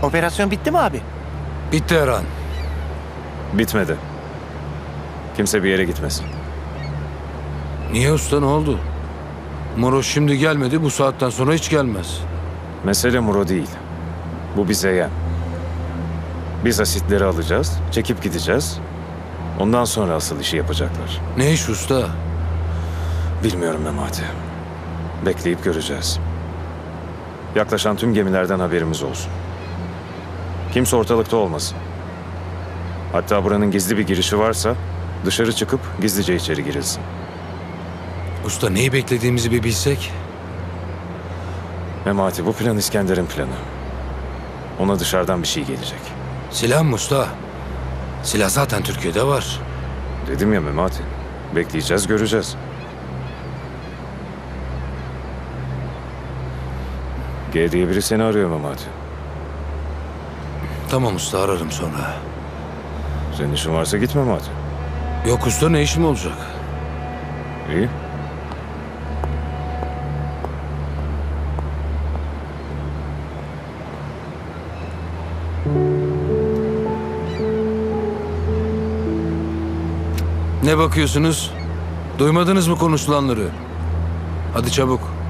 Operasyon bitti mi abi? Bitti Erhan. Bitmedi. Kimse bir yere gitmesin. Niye usta, ne oldu? Moro şimdi gelmedi, bu saatten sonra hiç gelmez. Mesele Muro değil. Bu bize yem. Biz asitleri alacağız, çekip gideceğiz. Ondan sonra asıl işi yapacaklar. Ne iş usta? Bilmiyorum Memati. Bekleyip göreceğiz. Yaklaşan tüm gemilerden haberimiz olsun. Kimse ortalıkta olmasın. Hatta buranın gizli bir girişi varsa dışarı çıkıp gizlice içeri girilsin. Usta neyi beklediğimizi bir bilsek. Memati, bu plan İskender'in planı. Ona dışarıdan bir şey gelecek. Silah mı usta? Silah zaten Türkiye'de var. Dedim ya Memati. Bekleyeceğiz, göreceğiz. G diye biri seni arıyor Memati. Tamam usta, ararım sonra. Senin işin varsa git Memati. Yok usta, ne işim olacak? İyi. Ne bakıyorsunuz? Duymadınız mı konuşulanları? Hadi çabuk.